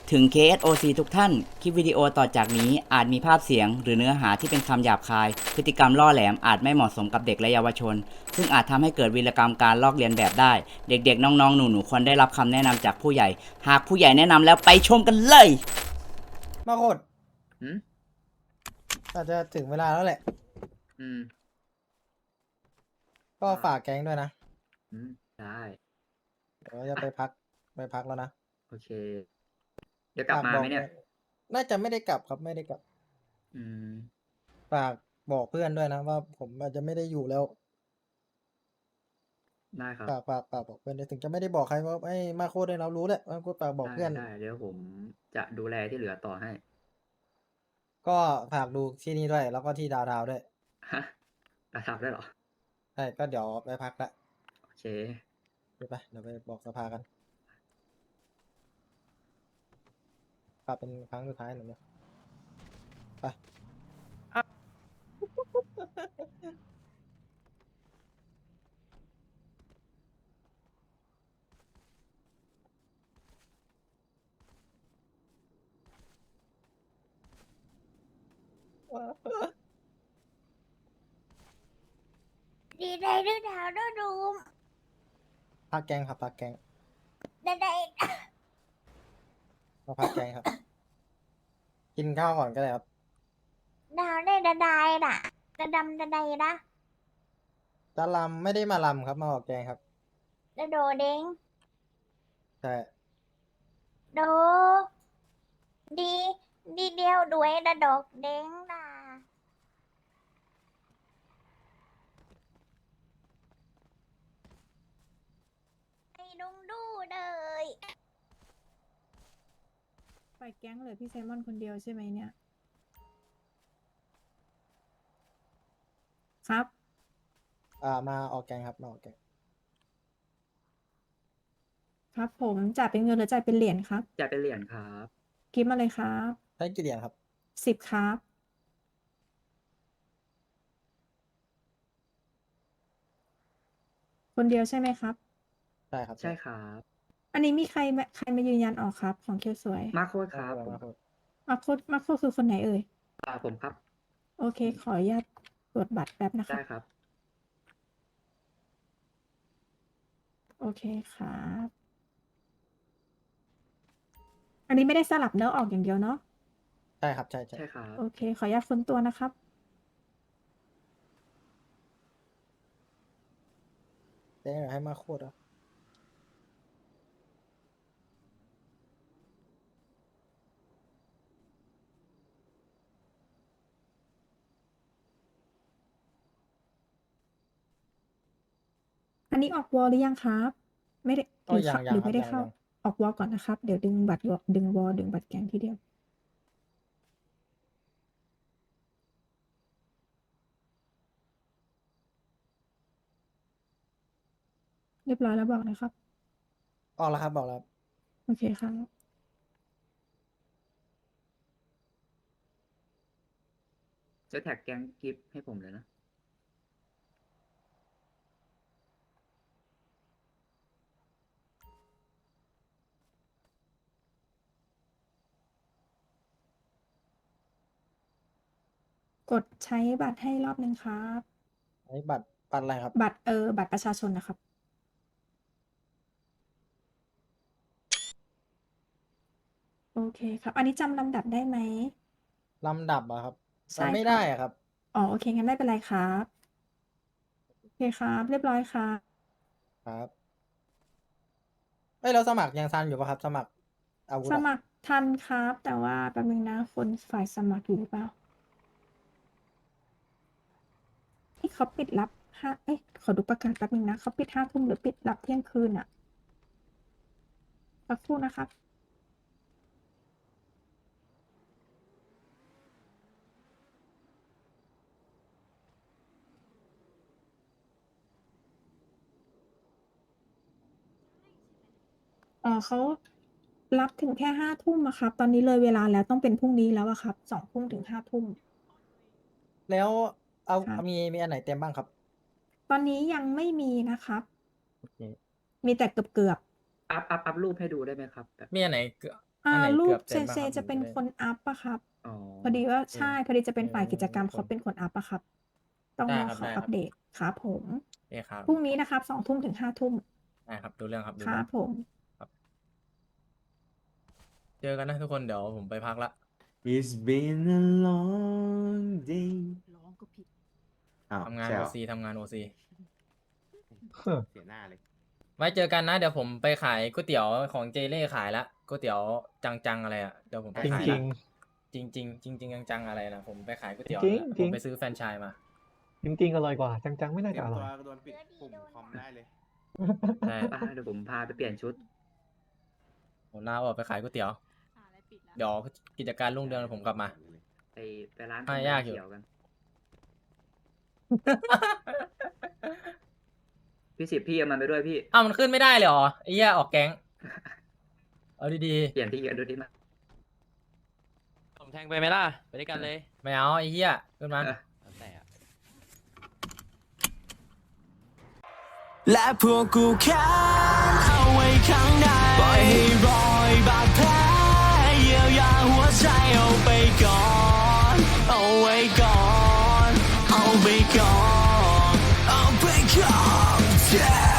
ถึง KSOC ทุกท่าน คลิปวิดีโอต่อจากนี้อาจมีภาพเสียงหรือเนื้อหาที่เป็นคำหยาบคาย พฤติกรรมล่อแหลมอาจไม่เหมาะสมกับเด็กและเยาวชน ซึ่งอาจทำให้เกิดวีรกรรมการลอกเลียนแบบได้ เด็กๆ น้องๆ หนูๆ ควรได้รับคำแนะนำจากผู้ใหญ่ หากผู้ใหญ่แนะนำแล้วไปชมกันเลยมาโคตรอืมอาจจะถึงเวลาแล้วแหละอืมก็ฝากแก๊งด้วยนะอืม ได้เดี๋ยวจะไปพักแล้วนะโอเค เดี๋ยวกลับมาไหมเนี่ยน่าจะไม่ได้กลับครับไม่ได้กลับอืมฝากบอกเพื่อนด้วยนะว่าผมอาจจะไม่ได้อยู่แล้วได้ครับฝากบอกเพื่อนด้วยถึงจะไม่ได้บอกใครว่าให้มาโคตรได้เรารู้แหละมาโคตรฝากบอกได้เพื่อนได้ เดี๋ยวผมจะดูแลที่เหลือต่อให้ก็ฝากดูที่นี่ด้วย แล้วก็ที่ดาวด้วยฮะประทับได้เหรอใช่ก็เดี๋ยวไปพักละโอเคไปเดี๋ยวไปบอกสภากันฝากเป็นครั้งสุดท้ายหน่อยนะไปดีใจด้วยดาวด้วยดูมพักแก๊งครับพักแก๊งได้ได้มาพักแก๊งครับ กินข้าวก่อนก็ได้ครับดาวได้ได้น่ะจะดำจะได้นะจะลำไม่ได้มาลำครับมาออกแกงครับจะโดเด้งใช่โดดีดีเดียวด้วยดะดอกเด้งน่ะไอ้ดุงดูเลยปล่อยแก๊งเหลือพี่ไซมอนคนเดียวใช่ไหมเนี่ย ครับมาออกแกงครับมาออกแกงครับผมจ่ายเป็นเงินหรือจ่ายเป็นเหรียญครับจะเป็นเหรียญครับกิฟต์มาเลยครับใช้กี่เหรียญครับ 10ครับ คนเดียวใช่ไหมครับใช่ครับใช่ครับอันนี้มีใครมายืนยันออกครับ ของเคียวสวยมาโคตรคมารับโคตรผมมาโคคือคนไหนเอ่ยผมครับโอเค ขออนุญาตตรวจบัตรแป๊บนะคได้รับครับโอเคครับ อันนี้ไม่ได้สลับเนื้อออกอย่างเดียวเนาะใช่ครับใช่ใช่ครับโอเค ขออนุญาตค้นตัวนะครับแจ้งให้มาโคตรอ่ะอันนี้ออกวอลหรือยังครับ ไม่ได้ก็ยังหรือครัไม่บได้ยังเข้ายังออกวอลก่อนนะครับ เดี๋ยวดึงบัตรดึงวอลดึงบัตรแก๊งทีเดียว เรียบร้อยแล้วบอกนะครับออกแล้วครับบอกแล้วครับโอเคครับจะแท็กแก๊งกิฟต์ให้ผมเลยนะกดใช้บัตรให้รอบนึงครับอันนี้บัตรอะไรครับบัตรประชาชนนะครับ โอเคครับ อันนี้จำลำดับได้ไหมลำดับอะครับใช่จำไม่ครับได้อะครับอ๋อ โอเค งั้นไม่เป็นไรครับ โอเคครับ เรียบร้อยครับครับเอ้ยเราสมัครยังทันอยู่ปะครับ สมัครอาวุธสอะมัครทันครับ แต่ว่าแป๊บนึงนะ คนฝ่ายสมัครอยู่หรือเปล่าที่เขาปิดรับขอดูประกาศแป๊บนึงนะ เขาปิด5 ทุ่มหรือปิดรับเที่ยงคืนอะสักครู่นะครับ เขารับถึงแค่5 ทุ่มอะครับ ตอนนี้เลยเวลาแล้วต้องเป็นพรุ่งนี้แล้วอะครับ2 ทุ่มถึง5 ทุ่มแล้วเอาครับมีอันไหนเต็มบ้างครับตอนนี้ยังไม่มีนะครับโอเคมีแต่เกือบอัพรูปให้ดูได้ไหมครับแบบมีอันไหนอ่าอันไหนรูเกืปอบเซเต็มนปะเซครับจะเป็นผมจะได้คนอัพอะครับอ๋อพอดีว่าใช่ พอดีจะเป็นฝ่ายกิจกรรมผมเขาเป็นคนอัพอะครับ ต้องได้รอครับเขาได้คอัรับปเดตครับผมโอเคครับพรุ่งนี้นะครับ2 ทุ่มถึง5 ทุ่มได้ครับดูเรื่องครับดูคเรื่รัอบ งผมเจอกันนะทุกคนเดี๋ยวผมไปพักละ It's been a long day ร้องก็ผิดอ้าวทำงานใช่โอเหรอซีทำงานโอซีเสียหน้าเลยไว้เจอกันนะ เดี๋ยวผมไปขายก๋วยเตี๋ยวของเจเล่ขายละก๋วยเตี๋ยวจังๆอะไรอ่ะเดี๋ยวผมไปจริงขายจริละงจริงจริงจริงจริงๆจังๆอะไรนะผมไปขายก๋วยเตี๋ยวจริงนะจผริมงไปซื้อแฟรนไชส์มาจริง ๆ อร่อยกว่า จัง ๆ ไม่น่าเตรีจะยมอร่ตัอวย โดนปิดปุ่มคอมได้เลยใช่ป้าเดี๋ยวผมพาไปเปลี่ยนชุดผมลาออกไปขายก๋วยเตี๋ยวอะไรปิดแล้วเดี๋ยวกิจการรุ่งเรืองผมกลับมาไปร้านอ่ะยากอยู่เขียวกัน พี่สิบพี่เอามันไปด้วยพี่อ้าวมันขึ้นไม่ได้เลยเหรอไอ้เหี้ยออกแก๊งเอาดีเปลี่ยนที่กันดูดิมาผมแทงไปไหมล่ะ ไปด้วยกันเลยๆไม่เอาไอ้เหี้ยขึ้นมาแล้วแต่อะและพวกกูแค้นเอาไว้ข้างในปล่อยให้รอยบาดแผลเยียวยาหัวใจเอาไปก่อน เอาไว้ก่อน เอาไปก่อน เอาไปก่อน